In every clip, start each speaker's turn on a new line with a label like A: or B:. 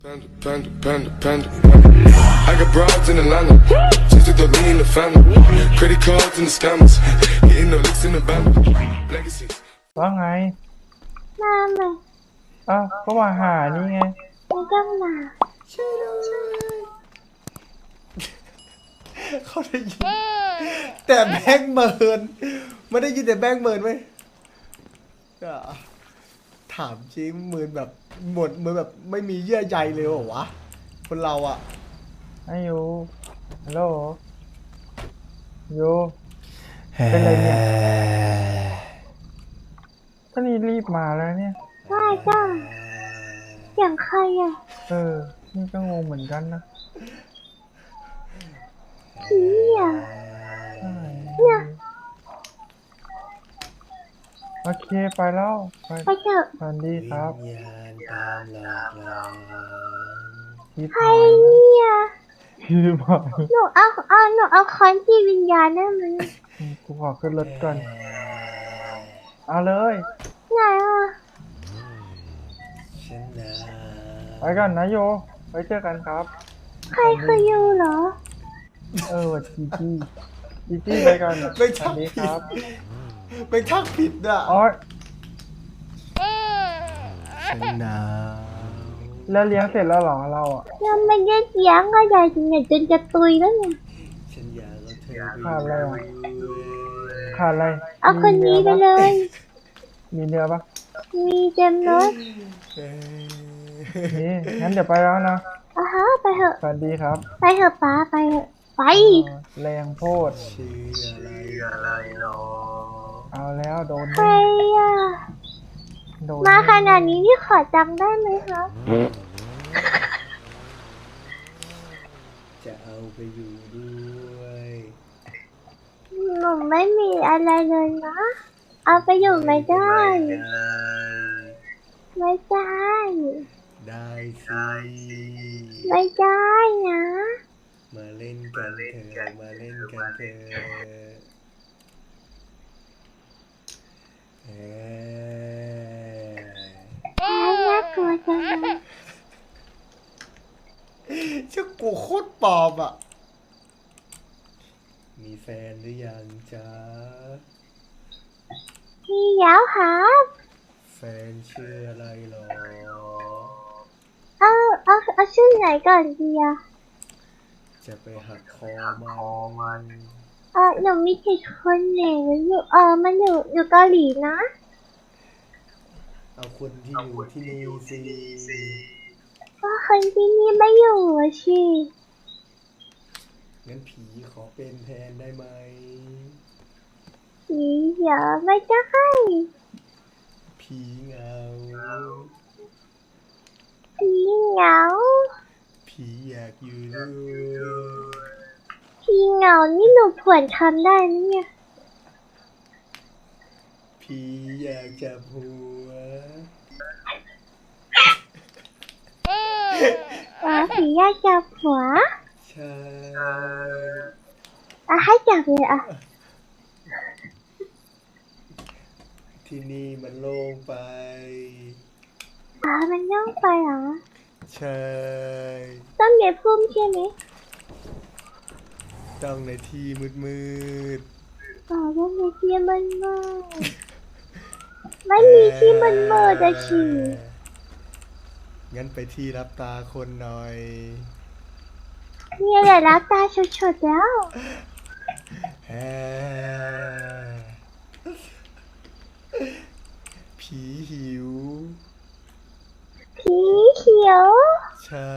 A: Panda. I got broads in Atlanta. Just took the lean in the family. Credit cards and the scammers. Getting no licks in the band. Legacies.
B: ว่าไง
C: มาใหม่
B: อ้าวก็มาหานี่ไง
C: ไม่ต้องมา
D: ช่วยด้วยเขาได้ยินแต่แบงค์เมินไม่ได้ยินแต่แบงค์เมินไหมถามจริงเมินแบบหมดเมินแบบไม่มีเยื่อใยเลยเหรอวะคนเราอะ
B: อายุฮัลโหลยูเป็นไรเนี่ยก็นี่รีบมาแล้วเนี่ย
C: ว่าจ้าอย่างใครอ่ะ
B: นี่ก็งงเหมือนกันนะ
C: ผีอ่ะเนี่ย
B: โอเคไปแล้ว
C: ไปเถอะ
B: สวัสดีครับ
C: ใครเนี่ย
B: พี่มา
C: หนูเอาค้อนจีวิญญาณได้ไหม
B: กูขอขึ้นรถก่อนเอาเลย
C: ไหนอ่ะ
B: ไปก่อนนะโยไว้เจอกันครับ
C: ใครคือยูเหรอ
B: จีไปก่อน
D: ไม่ทักผิดไม่ทักผิดอ่ะฉันหนาว
B: แล้วเลี้ยงเสร็จแล้วหรอเราอ่ะ
C: ยังไม่ได้เลี้ยงก็ใหญ่จนจนจะตุยแล้วไง
D: ฉันอยากเอาเธอ
B: ขาดอะไรขาดอะไร
C: เอาคนนี้ไปเลย
B: มีเนื้อปะ
C: มีเต็มรถ
B: นี่งั้นเดี๋ยวไปแล้วนะ
C: ไปเถอะ
B: สวัสดีครับ
C: ไปเถอะป้าไปเถอะไป
B: แรงโพด
D: ชื่ออะไรหรอ
B: เอาแล้วโดน
C: ใครอ่ะมาขนาดนี้พี่ขอจังได้ไหมครับ
D: จะเอาไปอยู่ด้วย
C: หนูไม่มีอะไรเลยนะเอาไปอยู่ไม่ได้ไม่ได้
D: ได้สิ
C: ไม่ได้นะ
D: มาเล่นกันเถอะมาเล่นกันเถอะ
C: น่ากลัวจังเลย
D: ชื่อกูโคตรปลอมอ่ะมีแฟนหรือยังจ๊ะ
C: มีแล้วครับ
D: แฟนชื่ออะไรหรอ
C: เอาชื่อไหนก่อนดีอะ
D: จะไปหักคอมัน
C: หนูมีผิดคนเหน่อยู่มันอยู่เกาหลีนะ
D: เอาคนที่อยู่ที่นี่สิ
C: ก็คนที่นี่ไม่อยู่สิ
D: งั้นผีขอเป็นแทนได้ไหม
C: ผีอย่าไม่ได้
D: ผีเหงา
C: ผีเหงา
D: ผีอยากอยู่ด้วย
C: ผีเหงานี่หนูผวนทำได้ไหมเนี่ย
D: ผีอยากจับหัว
C: ผีอยากจับหัว
D: ใช่
C: ให้จับเลย
D: ที่นี่มันโล่งไป
C: มันย่องไปเหรอ
D: ใช่
C: ต้องในพุ่มใช่ไหม
D: ต้องในที่มืด
C: ต้องในที่มันมืดไม่มีที่มันมืดอะชี
D: งั้นไปที่รับตาคนหน่อย
C: นี่แหละรับตาชุดๆแล้ว
D: ผีหิว
C: ผีเขียว
D: ใช่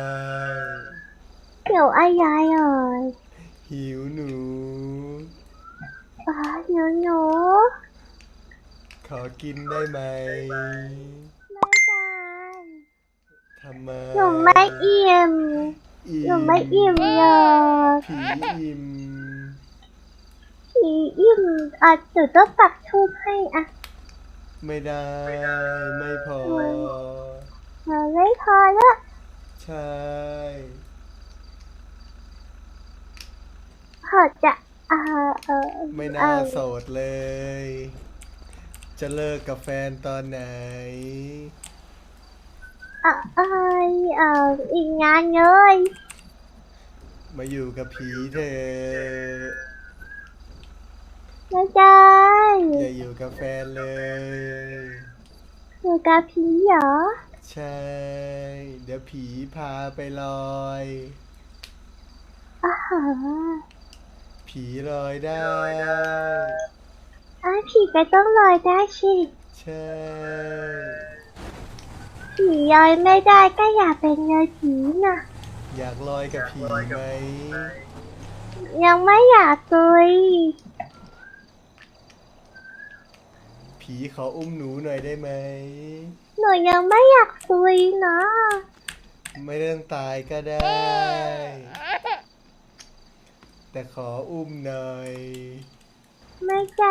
C: เขียวอะไร
D: หิวหนู
C: หนู
D: ขอกินได้ไหม
C: ไม่ได้
D: ทำไม
C: หนูไม่อิ่มเลย
D: ผีอิ่ม
C: หนูต้องปักธูปให้
D: ไม่ได้ไม่พอ
C: ไม่พอแล้ว
D: ใช่
C: ขอจะ
D: ไม่น่าโสดเลยจะเลิกกับแฟนตอนไหน
C: เอ้ยอีกงานเลย
D: มาอยู่กับผีเถอะ
C: ไม่ได้
D: อย่าอยู่กับแฟนเลย
C: อยู่กับผีเหรอ
D: ใช่ เดี๋ยวผีพาไปลอย
C: อ๋อ
D: ผีลอยได้
C: ผีก็ต้องลอยได้สิ
D: ใช่
C: ผีลอยไม่ได้ก็อย่าเป็นเลยผีนะ
D: อยากลอยกับผีไหม
C: ยังไม่อยากตุย
D: ผีขออุ้มหนูหน่อยได้ไหม
C: หนูยังไม่อยากตุยนะ
D: ไม่ต้องตายก็ได้ แต่ขออุ้มหน่อย
C: ไม่ได้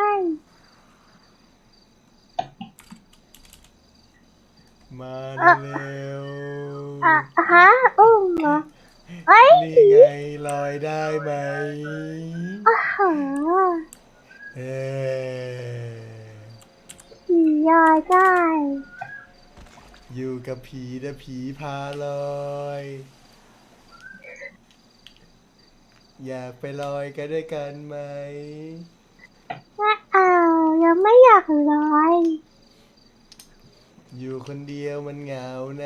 D: มาเร็ว
C: ฮะอุ้มเหรอเอ้ย
D: นี่ไงลอยได้ไหม
C: อ๋อ
D: เออ
C: ผีลอยได้
D: อยู่กับผีนะผีพาลอย อยากไปลอยกันด้วยกันไหม
C: ไม่ยังไม่อยากลอย
D: อยู่คนเดียวมันเหงานะ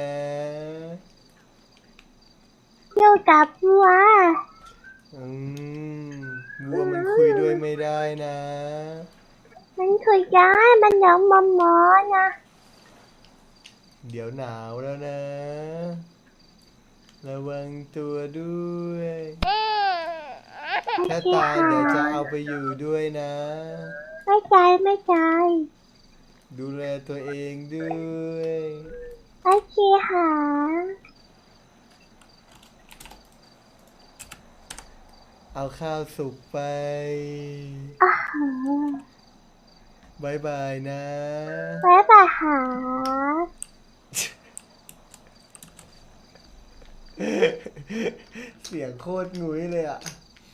C: อยู่กับวัว
D: อืมวัวมันคุยด้วยไม่ได้นะ
C: มันคุยได้มันน้องมอมอนะ
D: เดี๋ยวหนาวแล้วนะ ระวังตัวด้วย ถ้า
C: โอเค
D: ตายเดี๋ยวจะ
C: ค่ะ
D: เอาไปอยู่ด้วยนะ
C: ไม่ใจไม่ใจ
D: ดูแลตัวเองด้วย
C: โอเคค่ะ
D: เอาข้าวสุกไป
C: อ๋อบ
D: ายบายนะ
C: บ๊ายบายค่ะ
D: เสียงโคตรงุ้ยเลยอ่ะ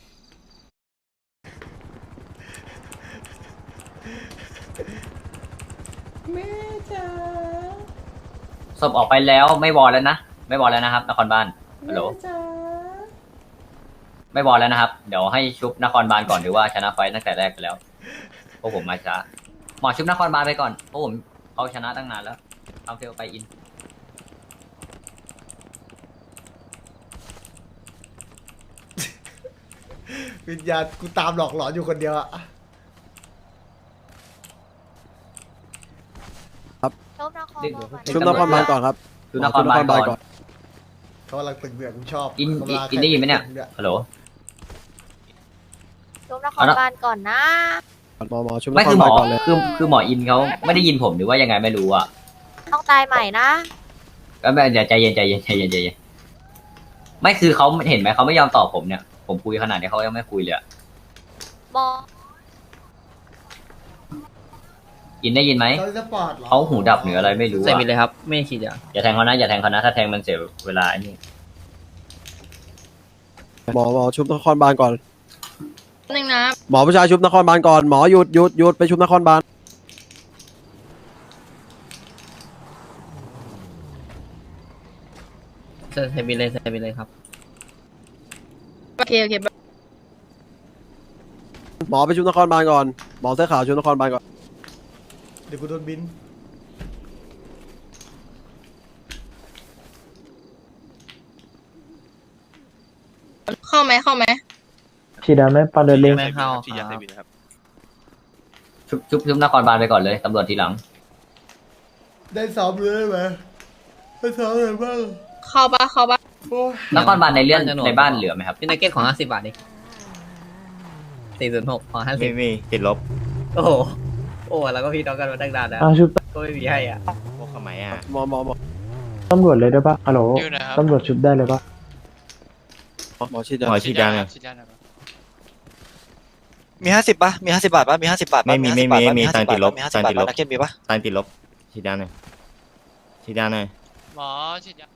D: แม่จ๋า
E: ศพออกไปแล้วไม่วอลแล้วนะไม่วอลแล้วนะครับนครบาลฮัลโหล
D: แม่จ๋า
E: ไม่วอลแล้วนะครับเดี๋ยวให้ชุบนครบาลก่อนหรือว่าชนะไฟต์ตั้งแต่แรกไปแล้วเพราะผมมาช้าหมอชุบนครบาลไปก่อนเพราะผมเขาชนะตั้งนานแล้วทำเฟลไปอิน
D: วิญญาณกูตามหลอกหลอนอยู่คนเดียวอ่ะ
F: ชุบนครบาลก่อนครับ
E: ชุบนครบาลก่อน
D: เขากำลังตึงเดือดกูชอบ
E: อิน
D: เขากำลัง
E: อินได้ยินไหมเนี่ย
D: ตึงดือด
E: ฮัลโหล
G: ชุบนครบาลก่อนนะ
F: หมอชุบน
E: ไม่
F: ค
E: คื
F: ร
E: อหม
F: บา
E: อ
F: ลก่อนเลย
E: คือหมออินเขาไม่ได้ยินผมหรือว่ายังไงไม่รู้อ่ะ
G: ต้องตายใหม่นะ
E: ก็ไม่เดี๋ยวใจเย็นใจเย็นใจเย็นใจเย็นไม่คือเขาเห็นไหมเขาไม่ยอมตอบผมเนี่ยผมคุยขนาดนี้เขายังไม่คุยเลยอะ
G: บอ
E: อินได้ยินไหม
D: เขาจะปอดเหรอ
E: เขาหูดับหรืออะไรไม่รู้
H: ใส่
E: อะ
H: ไปเลยครับ ไม่ฉีดยา
E: อย่าแทงเขานะอย่าแทงเขานะถ้าแทงมันเสียเวลาไอ้นี่
F: หมอชุบนครบาลก่อน
G: หนึ่งนะ
F: หมอผู้ชายชุบนครบาลก่อนหมอหยุดไปชุบนครบาล
H: ใส่ไปเลยใส่ไปเลยครับ
G: โอเคโอเค
F: หมอไปชุบนครบาลก่อนหมอเสื้อขาวชุบนครบาลก่อน
D: เดี๋ยวกูโดนบิน
G: เข้าไหมเข้าไหม
B: ฉีดได้ไหมปลาเดินเล็ง
H: ไม่เข้า
I: ฉีดยา
H: ค
I: เส
H: รับ
I: พติดครับ
E: ชุบนครบาลไปก่อนเลยตำรวจทีหลัง
D: ได้ซ้อมเลยไหมได้ซ้อมอะไรบ้าง
G: เข้าปะเข้าปะ
D: โอ้ย
E: นครบาลในเรื่องในบ้านเหลือไหมครับ
H: พี่นักเก็ตของ50 บาทดิ406ของ
I: ไม่มีติดลบ
H: 50โอ้โหโอ้แล้วก็พี่น้องกันมาตั้งนานแล้ว
B: ชุบ
H: ก็ไม่มีให้อ่ะ
I: พวกขมายอ่ะ
F: หมอ
B: ตำรวจเลยได้ปะฮัลโหลตำรวจชุบได้เลยปะ
F: หมอฉีดยา
I: หมอฉีดยาเนี่ย
J: มี50ป่ะมี50 บาทป่ะมี50 บาทป่ะ
I: ไม่มี
J: 50 บาทป่ะ
I: มี
J: 50
I: ตังค์ติดลบ
J: มี
I: ตัง
J: 50
I: ค์
J: บาท
I: ติดลบ
J: ป่ะนักเก็ตมีป่ะ
I: ตายติดลบฉีดยาหน่อยฉีดยาหน่อย
K: หมอฉีดยา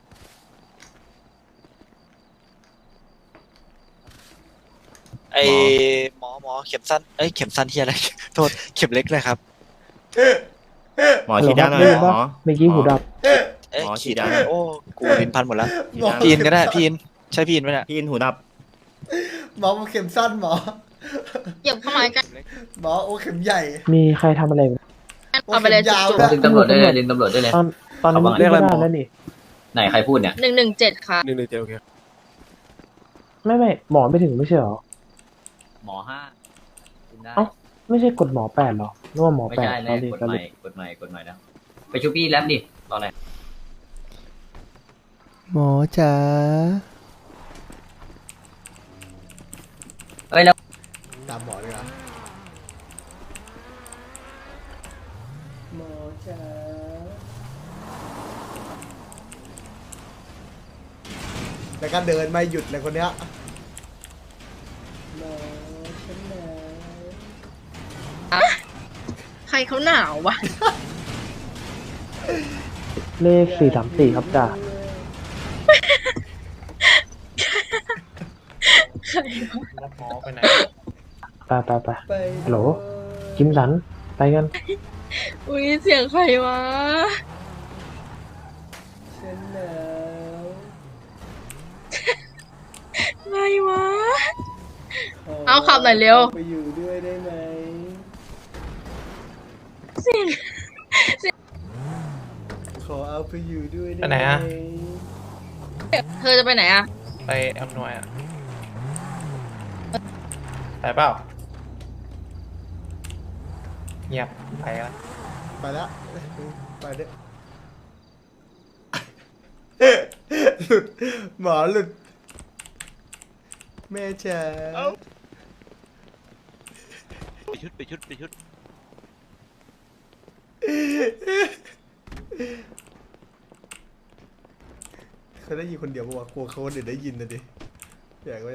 J: ไอหมอเข็มสั้นเอ้ยเข็มสั้นที่อะไร โทษเข็มเล็กเลยครับ
I: หมอฉีดยาหน่อย
B: ได้
I: หม
B: ปะ
I: อ
B: เมื่อกี้หูดับ
J: เอ้ย
I: หมอ
J: ขีด
I: ฉีดยา
J: โอ้กูลิ้นพันหมดแล้ว
I: ฉีดยา
J: พีนก็ได้พีนใช่พีนไหมเนี่ย
I: พี่อินหูดับ
D: หมอเข็มสั้นหมอ
G: เหยียบเข้ามาใกัน
D: หมอโอ้เข็มใหญ่
B: มีใครทำอะไรไหม
G: เอาไปเลย
D: ยาว
G: จุก
D: ด้วย
E: ดึงตำรวจได้เลยดึงตำรวจได้เลย
B: ตอนนี้
E: เอาบ้าง
B: ไม่ได้แล้วนี่
E: ไหนใครพูดเนี่ย
G: 117ค่ะ
F: 117โอเค
B: ไม่หมอไม่ถึงไม่ใช่เหรอ
E: หมอห้าขึ้นได้
B: เอ้า ไม่ใช่กดหมอ8หรอนึกว่าหมอ
E: ไม่
B: 8
E: ใช่เลยกดใหม่กดใหม่แล้วไปชูพี่แรปดิตอนไหน
D: หมอจ๋า
E: เอ้ยแล้ว
D: ตามหมอเลยนะหมอจ๋าแล้วก็เดินไม่หยุดเลยคนเนี้ยหมอฉันหนาว
G: ใครเขาหนาววะ
B: เลข434ครับจ่า
H: รับหมอไปไหน
B: ไปฮัลโหลคิมสันไปกัน
G: อุ้ยเสียงใครวะ
D: ฉันหนาว
G: ไงวะ เอาขับหน่อยเร็ว
D: ไปอยู่ด้วยได้ไหม
G: เสียง
D: ขอเอาไปอยู่ด้วยได้
H: ไปไหนอะ
G: เธอจะไปไหนอะ
H: ไปอำนวยอ่ะไปเปล่าเงียบไปแล้ว
D: ไปแล้วไปเด้อหลุดหมอหลุดแม่จ๋า
J: ไปชุด
D: เขาได้ยินคนเดียวปะวะกลัวเขาคนอื่นได้ยินนะดิอยากไว้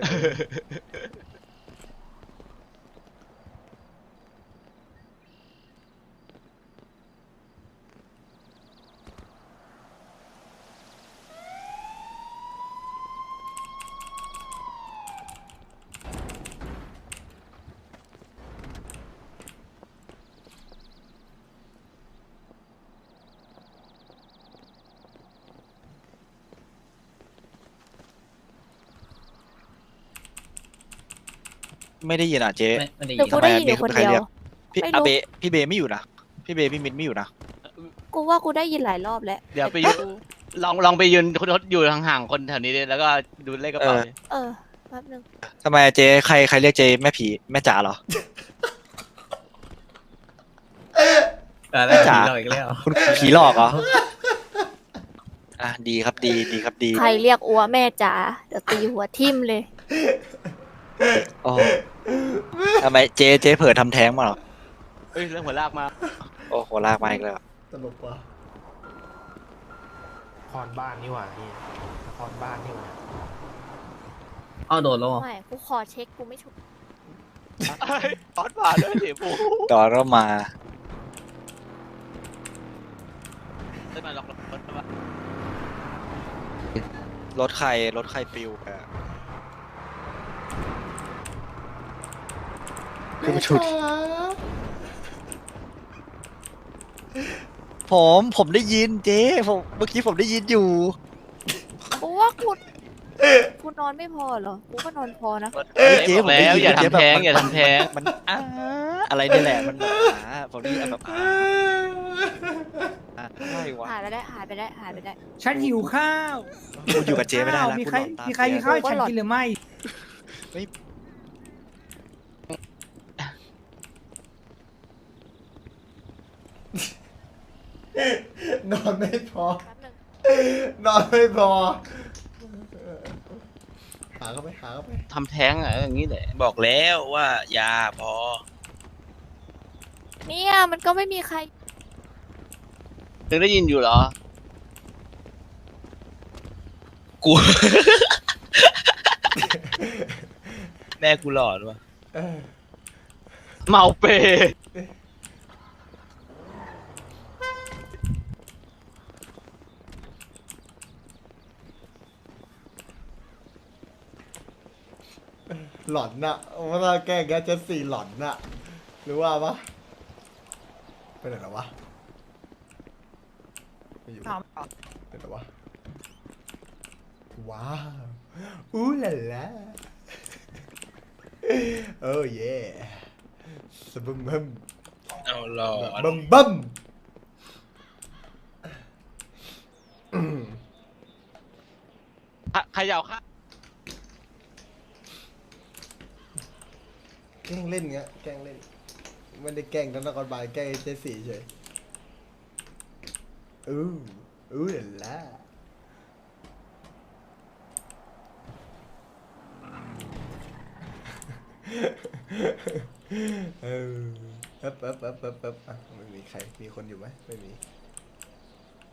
J: ไม่ได้ยินอ่ะเจ๊
H: ไม่ได้
C: เดี๋
H: ยิ
C: ยวน กูได้ยินอยู่คนเดียว
J: พี่
C: ไม่รู้
J: อาเบะพี่เบไม่อยู่นะพี่เบพี่มินไม่อยู่นะ
C: กูว่ากูได้ยินหลายรอบแล้ว
H: เดี๋ยวไปยืนลองไปยืนอยู่ห่างๆคนแถวนี้ดิแล้วก็ดูเลขกระเป๋าดิ
C: แป๊บนึง
J: ทำไมเจ๊ใครเรียกเจ๊แม่ผีแม่จ๋าเหรอ
H: แล้วจ๋าเราอีกแล้ว
J: คุณผีหลอกเหรออ่ะดีครับดีครับดี
C: ใครเรียกอัวแม่จ๋าเดี๋ยวตีหัวทิ่มเลย
J: โอ้ทำไมเจ๊เผลอทำแท้งมาเหรอ
H: เฮ้ยเรื่องหัวลากมา
J: โอ้โหลากมาอีกแล้ว
D: ตลกว่ะ
H: นครบ้านนี่หว่าพี่นครบ้านนี่หว่าอ้าวโดนแล้ว
C: ไม่ กูขอเช็คกูไม่ถูก
H: ออดมาด้วยสิปู
J: ต่อก็มา
H: ได้มาล็อกรถมาร
J: ถใครปลิวไปอะคือมาชุดผมได้ยินเจ๊เมื่อกี้ผมได้ยินอยู่
C: กูว่ากูนอนไม่พอเหรอ กูก็นอนพอนะ
J: เจ๊ผมได้ยิน
H: อย่า
J: เจ๊
H: ทำ
J: แบบ
H: แท้งอย่าทำแท้ง
J: มันอะไรนี่แหละมันแบบผมได้ยินแบบอะไรวะ
C: หายไปได้
K: ฉันหิวข้าว
J: กูอยู่กับเจ๊ไม่ได้แล้ว
K: มีใคร
J: กูนอนตาม
K: มีใครมี
J: เจ๊
K: ข้าวให้ฉันกินหรือไม่
D: นอนไม่พอ
C: แป๊บนึง
D: นอนไม่พอหาเข้าไป
H: ทำแท้งอะอย่างนี้แหละ
J: บอกแล้วว่ายาพอ
C: เนี่ยมันก็ไม่มีใคร
H: ถึงได้ยินอยู่เหรอ
J: กู แม่กูหลอนวะ
H: เมาเป
D: หลอนน่ะว่าถ้าแก้แกจะสี่หลอนน่ะหรือว่าปะไปไหนแล้ววะไม่อยู่ว้าวอู้ล่ะล่ะโอ้เย่สบึมบึม
J: เอาหรอ
D: บึมบึม
J: ขย่าค่ะ
D: แกล้งเล่นเงี้ยแกล้งเล่นไม่ได้แกล้งทั้งนครบาลแกล้งเจสซี่เฉยอู้ล่ะล่ะเออเอ๊บอ่ะไม่มีใครมีคนอยู่ไหมไม่มี